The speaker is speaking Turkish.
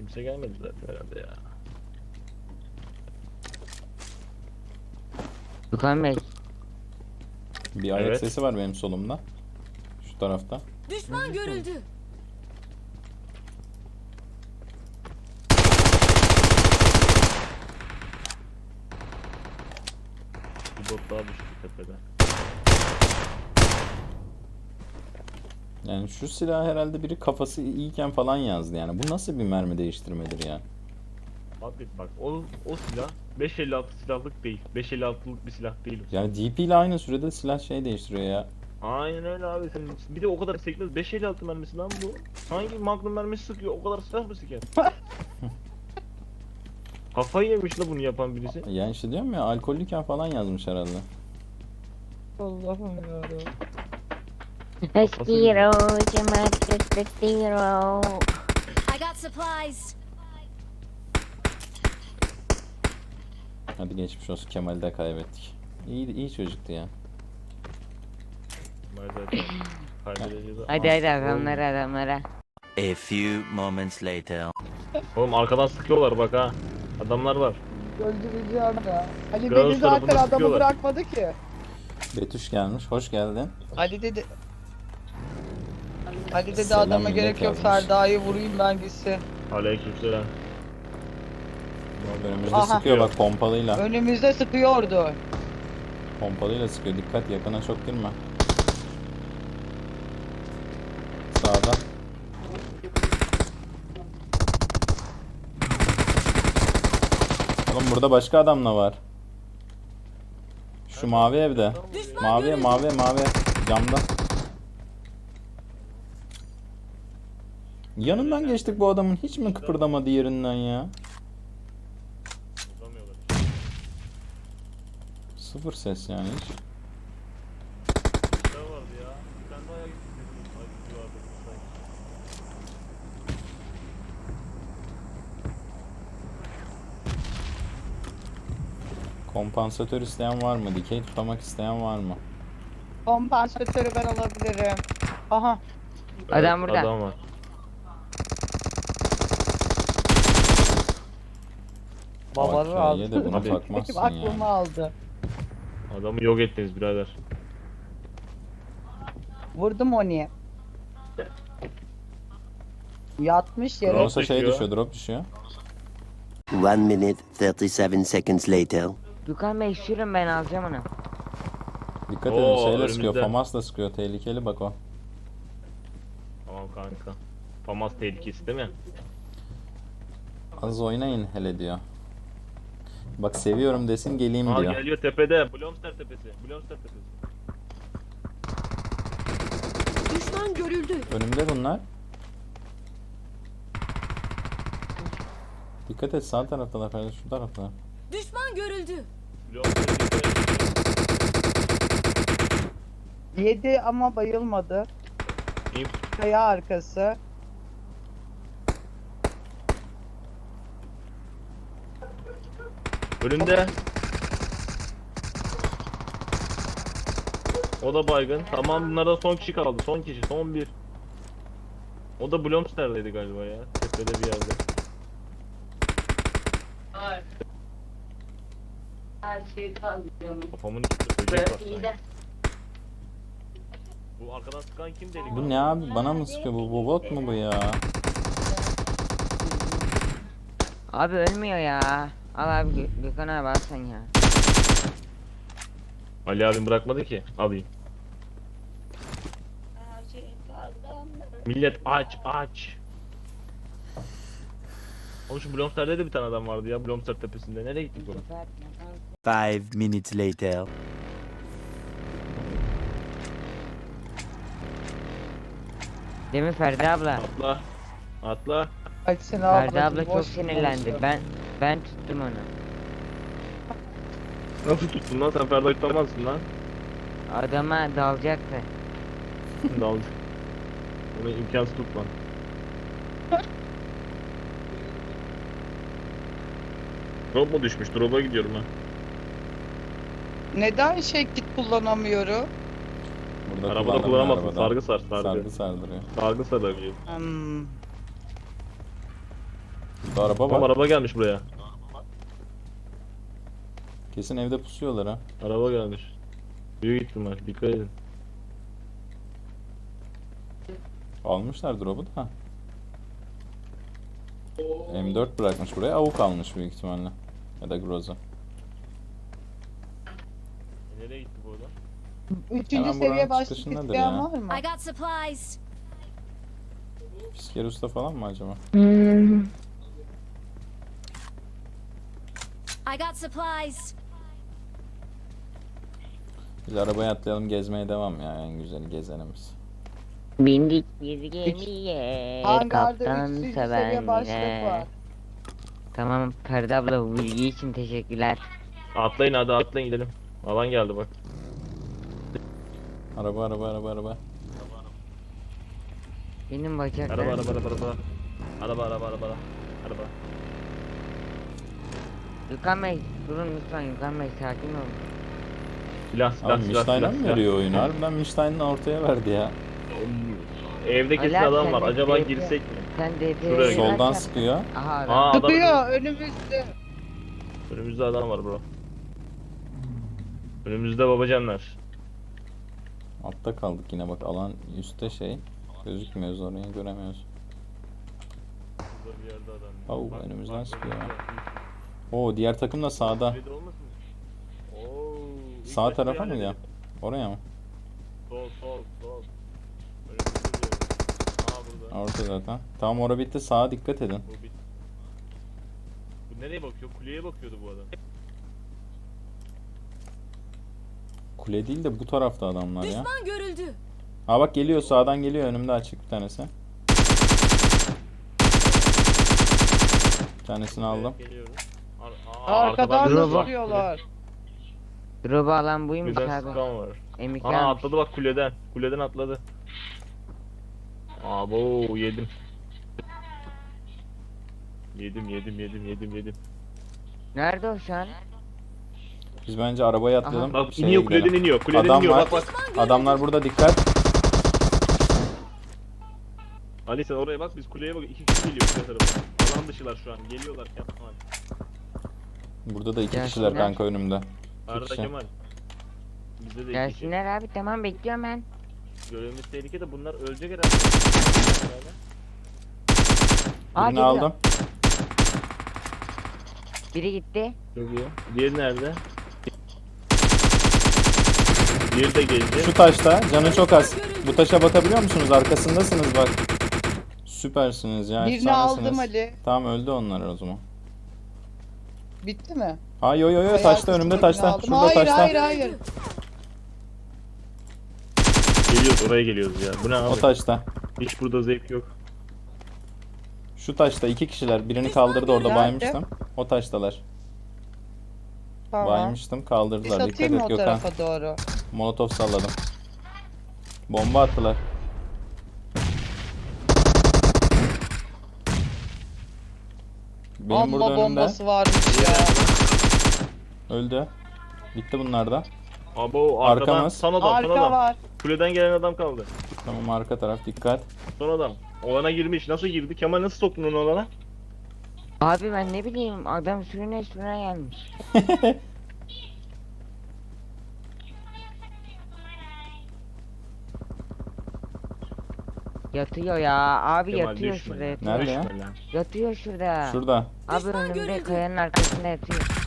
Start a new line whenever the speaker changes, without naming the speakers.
Kimse gelmedi zaten herhalde ya.
Gökhan Bey.
Bir ayak
Evet.
sesi var benim solumda. Şu tarafta.
Düşman görüldü.
Bir bot daha düştü tepede.
Yani şu silah herhalde biri kafası iyiyken falan yazdı yani. Bu nasıl bir mermi değiştirmedir ya?
Abi bak o silah 5.56 silahlık değil. 5.56'lık bir silah değil o.
Yani DP ile aynı sürede silah şey değiştiriyor ya.
Aynen öyle abi. Sen bir de o kadar sekmez. 5.56 mermisi lan bu. Hangi Magnum mermisi sıkıyor? O kadar silah mı siker? Kafayı yemiş la bunu yapan birisi.
Yani işte diyorum ya, alkollüyken falan yazmış herhalde.
Allah'ım yarabbim.
Kafası
I got supplies.
Hadi geçmiş olsun, Kemal'i de kaybettik. İyi çocuktu ya.
Ben zaten kaybedeceğiz.
Hadi hadi adamlara.
A few moments later.
Oğlum arkadan sıkıyorlar bak ha. Adamlar var.
Öldüreceğim ya. Ali
Gauss
dedi zaten
tarafından
adamı
sıkıyorlar.
bırakmadı ki.
Betüş gelmiş, hoş geldin.
Ali dedi. Ali dedi
Selam
adama
millet
gerek yok,
yazmış.
Ferda'yı vurayım ben gitsin.
Aleykümselam.
Önümüzde
Aha.
sıkıyor bak, pompalıyla.
Önümüzde sıkıyordu.
Pompalıyla sıkıyor, dikkat, yakına çok girme. Sağda. Oğlum burada başka adam da var. Şu mavi evde. Mavi camda. Yanından geçtik bu adamın, hiç mi kıpırdamadı yerinden ya?
Tutamıyorlar.
Sıfır ses yani hiç.
Ne vardı ya? Bir tane daha ayak istedim. Ay, vardı sanki.
Kompansatör isteyen var mı? Dikey tutamak isteyen var mı?
Kompansatörü ben alabilirim. Aha.
Adam burada.
Adam var.
Babanı
AK'ye de
aldı.
buna
Hadi.
takmazsın
Aklımı
yani.
aldı.
Adamı yok ettiniz birader.
Vurdum onu. Yatmış yere.
Drop
Kronos'a şey
düşüyor.
düşüyor, drop düşüyor.
1 minute 37 seconds later.
Gökhan Bey sürün, ben alacağım onu.
Dikkat
Oo,
edin, şeyle
önümüzde.
sıkıyor, FAMAS'la sıkıyor, tehlikeli bak o.
Tamam kanka. Famas tehlikesi değil mi?
Az oynayın hele diyor. Bak seviyorum desin, geleyim
Aa
diyor.
geliyor tepede. Blomster tepesi. Blomster tepesi.
Düşman görüldü.
Önümde bunlar. Dikkat et, sağ taraftalar kardeş, şu taraftalar.
Düşman görüldü.
Blomster tepesi.
Yedi ama bayılmadı. Kaya arkası.
Önünde. O da baygın. Tamam bunlardan son kişi kaldı. Son kişi. Son bir. O da Blomster'deydi galiba ya. Tepede bir yerde. Kafamın içinde böcek var sanki. Bu arkadan sıkan kim deli?
Bu ne abi, bana mı sıkıyor bu bot mu bu ya?
Abi ölmüyor ya. Al abi Gökhan abi, al sen ya.
Ali abim bırakmadı ki. Alayım. Millet aç. Oğlum şu Blomster'de de bir tane adam vardı ya. Blomster tepesinde. Nereye gittik oğlum?
5 minutes later.
Değil mi Ferdi abla?
Atla. Atla.
Açsın
Ferdi
ablacığım,
abla çok
boş
sinirlendi.
konuşuyor.
Ben tuttum onu.
Nasıl tuttun lan? Sen Ferda tutamazsın lan.
Adama dalacaktı.
Daldı. Onu imkansız tutman. Drop mu düşmüş? Drop'a gidiyorum ha.
Neden kit kullanamıyorum?
Burada
Arabada
kullandım
kullanamazsın.
arabada.
Sargı sar.
Sargı sardırıyor.
Sargı sarabiliyor.
Hmm.
Burada araba
Tam
var.
araba gelmiş buraya.
Kesin evde pusuyorlar ha.
Araba gelmiş. Büyük ihtimal. Dikkat edin.
Almışlar drop'u da. M4 bırakmış buraya. Avuk almış büyük ihtimalle. Ya da Groza.
Nereye gitti bu adam?
Üçüncü
Hemen
seviye
buranın
başlık
çıkışındadır
isteyen
ya.
var mı?
I got supplies.
Pisker usta falan mı acaba?
I got supplies.
Biz arabaya atlayalım, gezmeye devam ya, en güzeli gezenimiz.
Bindik bir gemiye.
Hangarda
Kaptan
üçüncü seviye başlık
sevenle.
var.
Tamam Ferdi abla bu bilgi için teşekkürler.
Atlayın hadi atlayın gidelim. Alan geldi bak.
Araba.
Benim
Araba
bacaklarım.
Araba.
Gökhan Bey durun lütfen Gökhan Bey sakin olun.
Silah.
Abi Michline'a mı veriyor oyunu? Harbiden Michline'ın ortaya verdi ya.
Evde kesin
Ali abi,
adam
sen
var.
de
Acaba
direkt-
girsek mi?
Sen de
Şuraya
Soldan sıkıyor.
Aha adam.
Aa adam.
Sıkıyor önümüzde.
Önümüzde adam var bro. Önümüzde babacanlar.
Altta kaldık yine bak, alan üstte şey. Gözükmüyoruz, orayı göremiyoruz.
Burada bir yerde adam.
Au,
Bak,
önümüzden
bak,
sıkıyor.
bak.
Oo, diğer takım da sağda.
Kulede olmasın? Oo, ilk
Sağ
başta
tarafa mı
yani
ya?
dedim.
Oraya mı?
Sol. Önümüzde diyorum. Aa burada.
Orta zaten. Tamam, ora bitti, sağa dikkat edin.
Bu bit. Bu nereye bakıyor? Kuleye bakıyordu bu adam.
Kule değil de bu tarafta adamlar ya.
Düşman görüldü.
Ha bak, geliyor sağdan, geliyor önümde, açık bir tanesi. Bir tanesini aldım.
Geliyorum.
Arkadan da
Drop'a-
sıkıyorlar.
Drop'u alan buymuş
Güzel
abi.
sıkan var.
M2
Aa
almış.
atladı bak kuleden. Kuleden atladı. Abo yedim. Yedim.
Nerede o şu an?
Biz bence arabaya atlayalım.
Bak
şeye
iniyor
gidelim.
kuleden iniyor. Kuleden
Adam
iniyor
var.
bak bak.
Adamlar burada, dikkat.
Ali sen oraya bak biz kuleye bak. 2 kişi geliyor kule tarafa. Alan dışılar şu an. Geliyorlar Kemal.
Burada da iki
Gelsinler.
kişiler kanka önümde.
Arada
kişi.
Kemal. Bizde de 2 kişi.
Gelsinler abi tamam bekliyorum ben.
Görevimiz tehlikede bunlar ölecek herhalde.
Aa,
Birini
geliyor.
aldım.
Biri gitti.
Çok iyi. Diğeri nerede? Diğeri de geldi.
Şu taşta canı çok az. Bu taşa bakabiliyor musunuz? Arkasındasınız bak. Süpersiniz ya.
Birini
efsanesiniz.
aldım Ali.
Tamam, öldü onlar o zaman.
Bitti mi?
Ha yo
Bayağı
taşta,
kısmını
önümde taşta.
aldım.
Şurada
Hayır,
taşta.
hayır.
Geliyoruz oraya geliyoruz ya. Bu ne
O
abi?
taşta.
Hiç burada zevk yok.
Şu taşta iki kişiler. Birini kaldırdı, orada
Nerede?
baymıştım. O taştalar.
Tamam.
Baymıştım,
Bir
kaldırdılar. Dikkat
satayım mı
et
o
Gökhan.
tarafa doğru?
Molotof salladım. Bomba attılar. Benim burada
Amma
önümde.
bombası varmış ya.
Öldü. Bitti bunlar da.
Abo arkadan
Arkamız.
son adam.
Arka var.
Kuleden gelen adam kaldı.
Tamam, arka taraf dikkat.
Son adam. Olana girmiş. Nasıl girdi? Kemal nasıl soktun onu olana?
Abi ben ne bileyim adam sürüne gelmiş. Yatıyor ya abi
Kemal
yatıyor
düşme
şurada
ya.
yatıyor.
Nerede ya?
Düşme lan.
Yatıyor şurada.
Şurada.
Abi
Düşman
önümde
görüldü.
kayanın arkasında yatıyor.